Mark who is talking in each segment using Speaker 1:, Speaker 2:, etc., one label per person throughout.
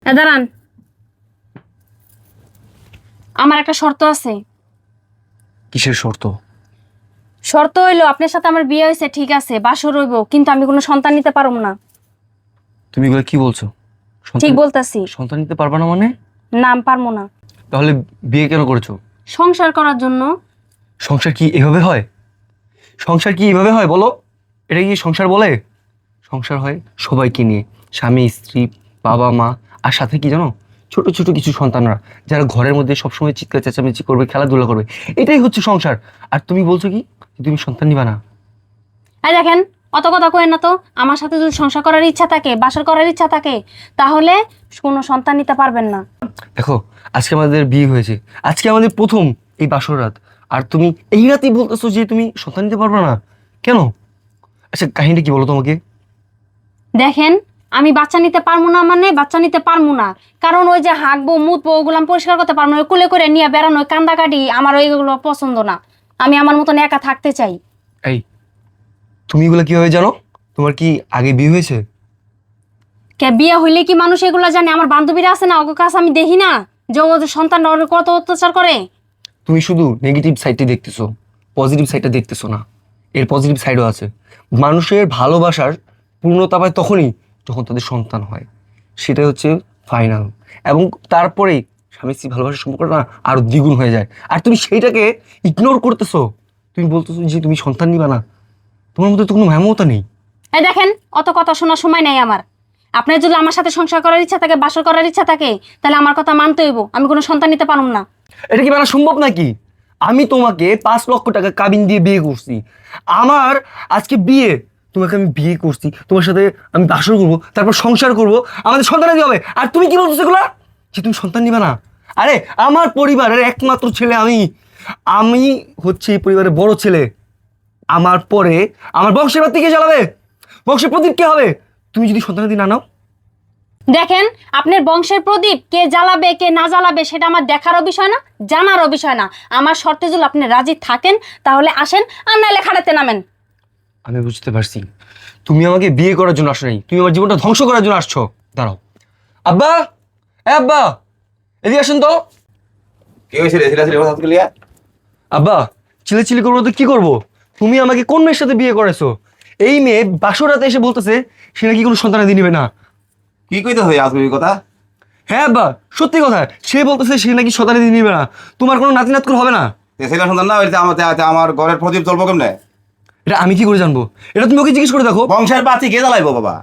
Speaker 1: দাঁড়ান, আমার একটা শর্ত আছে।
Speaker 2: কিসের শর্ত?
Speaker 1: শর্ত হইলো আপনার সাথে আমার বিয়ে হয়েছে, ঠিক আছে, বাসর রইব, কিন্তু আমি কোনো সন্তান নিতে পারবো না।
Speaker 2: তুমি এগুলো কি বলছো?
Speaker 1: ঠিক বলতাছি।
Speaker 2: সন্তান নিতে পারবা না মানে?
Speaker 1: নাম পারবো না।
Speaker 2: তাহলে বিয়ে কেন করেছো?
Speaker 1: সংসার করার জন্য।
Speaker 2: সংসার কি এভাবে হয়? সংসার কি এভাবে হয় বলো? এটা কি সংসার বলে? সংসার হয় সবাইকে নিয়ে, স্বামী স্ত্রী বাবা মা, আর সাথে কি জানো, ছোট ছোট কিছু সন্তানরা যারা ঘরের মধ্যে সবসময় চিৎকার চেঁচামেচি করবে, খেলাধুলা করবে, এটাই হচ্ছে সংসার। আর তুমি বলছো কি তুমি সন্তান নিবা না?
Speaker 1: এই দেখেন, অত কথা কইেন না তো। আমার সাথে যদি সংসার করার ইচ্ছা থাকে, বাসর করার ইচ্ছা থাকে, তাহলে কোনো সন্তান নিতে পারবেন না।
Speaker 2: দেখো, আজকে আমাদের বিয়ে হয়েছে, আজকে আমাদের প্রথম এই বাসর রাত, আর তুমি এই রাতেই বলতেছো যে তুমি সন্তান নিতে পারবে না কেন? আচ্ছা কাহিনীটা কি বলো তোমাকে?
Speaker 1: দেখেন, আমি বাচ্চা নিতে পারবো না মানে বাচ্চা নিতে পারবো না, কারণ ওই যে হাঁকবো মুতবো ওগুলো আমি পরিষ্কার করতে পারবো না। ওই কুলে করে নিয়ে বেড়ানো, ওই কান্দাকাটি, আমার ওইগুলো পছন্দ না। আমি আমার মতন একা থাকতে চাই।
Speaker 2: এই, তুমি এগুলো কিভাবে জানো? তোমার কি আগে বিয়ে হয়েছে?
Speaker 1: কে বিয়ে হইলে কি মানুষ এগুলো জানে? আমার বান্ধবীরা আছে না, ওকে কাছে আমি দেখি না যে ওদের সন্তান কত অত্যাচার করে।
Speaker 2: তুমি শুধু নেগেটিভ সাইডটি দেখতেছো, পজিটিভ সাইডটা দেখতেছো না। এর পজিটিভ সাইডও আছে। মানুষের ভালোবাসার পূর্ণতা পায় তখনই যখন তাদের সন্তান হয়, সেটাই হচ্ছে ফাইনাল। এবং তারপরেই স্বামী স্ত্রী ভালোবাসার সম্পর্কটা না আরো দ্বিগুণ হয়ে যায়। আর তুমি সেইটাকে ইগনোর করতেছো। তুমি বলতেছো যে তুমি সন্তান নিবা না। তোমার মধ্যে তো কোনো মমতা নেই।
Speaker 1: এই দেখেন, অত কথা শোনার সময় নাই আমার। আপনার যদি আমার সাথে সংসার করার ইচ্ছা থাকে, বাসর করার ইচ্ছা থাকে, তাহলে আমার কথা মানতে হইব। আমি কোনো সন্তান নিতে পারব না।
Speaker 2: এটা কি মানা সম্ভব নাকি? আমি তোমাকে 5 লক্ষ টাকা কাবিন দিয়ে বিয়ে করছি। আমার আজকে বিয়ে, তোমাকে আমি বিয়ে করছি, তোমার সাথে আমি বাসর করবো, তারপর সংসার করব, আমাদের সন্তান দিয়ে হবে। আর তুমি কি বলছো এগুলা যে তুমি সন্তান নিবে না? আরে আমার পরিবারের একমাত্র ছেলে আমি। আমি হচ্ছে এই পরিবারের বড় ছেলে। আমার পরে আমার বংশের বাতি কে চালাবে? বংশের প্রদীপ কে হবে? তুমি যদি সন্তানাদি না নাও?
Speaker 1: দেখেন, আপনার বংশের প্রদীপ কে জ্বালাবে কে না জ্বালাবে সেটা আমার দেখারও বিষয় না, জানারও বিষয় না। আমার শর্তে যদি আপনি রাজি থাকেন তাহলে আসেন, আর নাহলে খাটাতে নামেন।
Speaker 2: আমি বুঝতে পারছি তুমি আমাকে বিয়ে করার জন্য আসো নাই, তুমি আমার জীবনটা ধ্বংস করার জন্য আসছো। দাঁড়াও। আব্বা, এ আব্বা, এদিকে আসেন তো।
Speaker 3: কি হয়েছে রে? সিরিয়াসলি কথা বলি।
Speaker 2: আব্বা, চিলেচিলি করবো তো কি করবো? তুমি আমাকে কোন মেয়ের সাথে বিয়ে করেছো? এই মেয়ে বাসরাতে এসে বলতেছে সে নাকি কোনো সন্তানাদি নিবে না।
Speaker 3: কি কইতে হয় আজকে কথা?
Speaker 2: হ্যাঁ আব্বা, সত্যি কথা, সে বলতেছে সে নাকি সন্তানাদি নিবে না। তোমার কোনো নাতি নাতকুর হবে না।
Speaker 3: ছেলে সন্তান না হইলে আমার ঘরের প্রদীপ চলবো কেমনে?
Speaker 2: এটা আমি কি করে জানবো? এটা তুমি ওকে জিজ্ঞেস করে দেখো।
Speaker 3: বংশের বাতি কে জ্বালাইবো বাবা?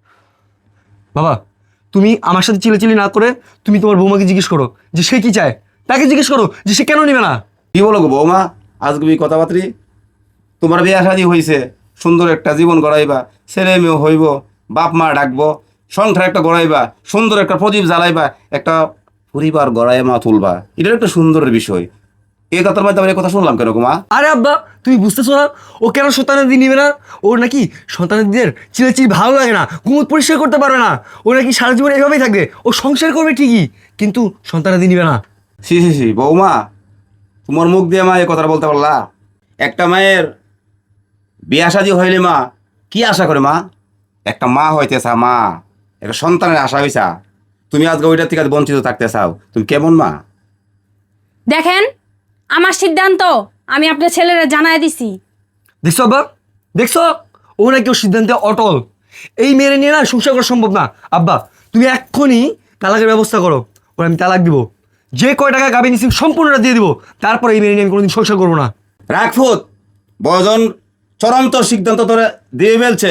Speaker 2: বাবা, তুমি আমার সাথে চিলেচিলি না করে তুমি তোমার বৌমাকে জিজ্ঞেস করো যে সে কি চায়। তাকে জিজ্ঞেস করো যে সে কেন নিবে না।
Speaker 3: কি বলো গো বৌমা, আজকে কথাবার্তি? তোমার বিয়ে শাদী হয়েছে, সুন্দর একটা জীবন গড়াইবা, ছেলে মেয়ে হইব, বাপ মা ডাকবো, সংসার একটা গড়াইবা, সুন্দর একটা প্রদীপ জ্বালাইবা, একটা পরিবার গড়াই মা তুলবা, এটার একটা সুন্দরের বিষয়। এই কথার মধ্যে আমার এই কথা শুনলাম কেন গো মা?
Speaker 2: আরে আব্বা, তুমি বুঝতেছো না ও কেন সন্তানাদি নিবে না? ওর নাকি সন্তানাদিদের চিলেচিলি ভালো লাগে না, ঘুমুত পরিষ্কার করতে পারবে না। ও নাকি সারা জীবন এভাবেই থাকবে। ও সংসার করবে ঠিকই, কিন্তু সন্তানাদি নিবে না।
Speaker 3: সি সি সি বৌমা, তোমার মুখ দিয়ে মা এই কথাটা বলতে পারলা? একটা মায়ের বিয়া শাদী হইলে মা কি আশা করে মা? একটা মা হইতেছা, মা একটা সন্তানের আশা হইছা, তুমি আজকে ওইটার থেকে বঞ্চিত থাকতে চাও, তুমি কেমন মা?
Speaker 1: দেখেন, আমার সিদ্ধান্ত আমি আপনার ছেলেরা জানাই দিছি।
Speaker 2: দেখছো আব্বা, দেখছো, ও নাকি ওর সিদ্ধান্তে অটল। এই মেয়ের নিয়ে না সংসার করা সম্ভব না। আব্বা, তুমি এক্ষুনি তালাকের ব্যবস্থা করো। ওর আমি তালাক দিব, যে কয় টাকা গাবি নিছি সম্পূর্ণটা দিয়ে দিব। তারপর এই মেয়ে নিয়ে আমি কোনোদিন সংসার করবো না।
Speaker 3: রাখফুত বয়জন চূড়ান্ত সিদ্ধান্ত তোরে দিয়ে ফেলছে,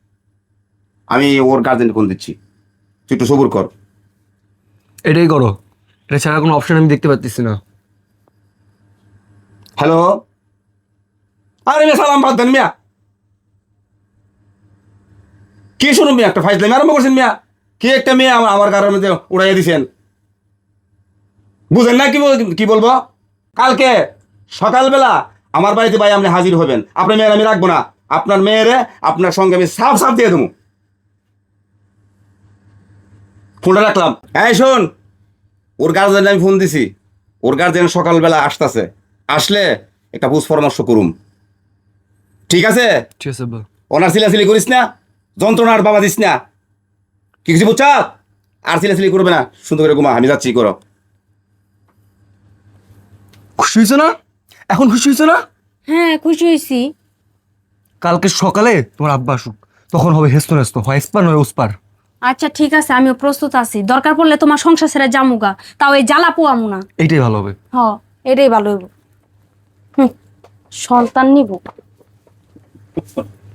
Speaker 3: আমি ওর গার্জেন কোন দিচ্ছি, তুই একটু সবুর কর।
Speaker 2: এটাই করো, এটা ছাড়া কোনো অপশন আমি দেখতে পাচ্ছি না।
Speaker 3: হ্যালো, আরে মিয়া সালাম বাদ দেন মিয়া। কি শুনুন মিয়া, একটা ফাইজলামি আরম্ভ করছেন মিয়া। কি একটা মেয়ে আমার গাড়ির মধ্যে উড়াইয়া দিছেন, বুঝেন না কি বলবো? কালকে সকালবেলা আমার বাড়িতে ভাই আপনি হাজির হবেন। আপনার মেয়ের আমি রাখবো না, আপনার মেয়েরে আপনার সঙ্গে আমি সাফ সাফ দিয়ে দেবো। ফোনটা রাখলাম। হ্যাঁ শোন, ওর গার্জেন আমি ফোন দিছি, ওর গার্জেন সকালবেলা আসতেছে, আসলে একটা বুঝ পরামর্শ করুম, ঠিক আছে?
Speaker 2: ঠিক আছে আব্বা।
Speaker 3: ওনার সিলাসিলি করিস না, যন্ত্রণার বাবা দিস না, কি কিছু বুঝছা? আর ছেলে করবে না, সুন্দর করে ঘুমা, আমি যাচ্ছি, করো।
Speaker 2: খুশি হয়েছো না? এখন খুশি হয়েছো না?
Speaker 1: হ্যাঁ খুশি হয়েছি।
Speaker 2: কালকে সকালে তোমার আব্বা আসুক, তখন হবে হেস্ত নেস্ত, হয় এসপার নয় ওসপার।
Speaker 1: আচ্ছা ঠিক আছে, আমিও প্রস্তুত আছি। দরকার পড়লে তোমার সংসার ছেড়ে জামুগা, তাও এই জ্বালা পোয়ামু না।
Speaker 2: এইটাই ভালো হবে।
Speaker 1: হ, এটাই ভালো হইব। সন্তান নিব।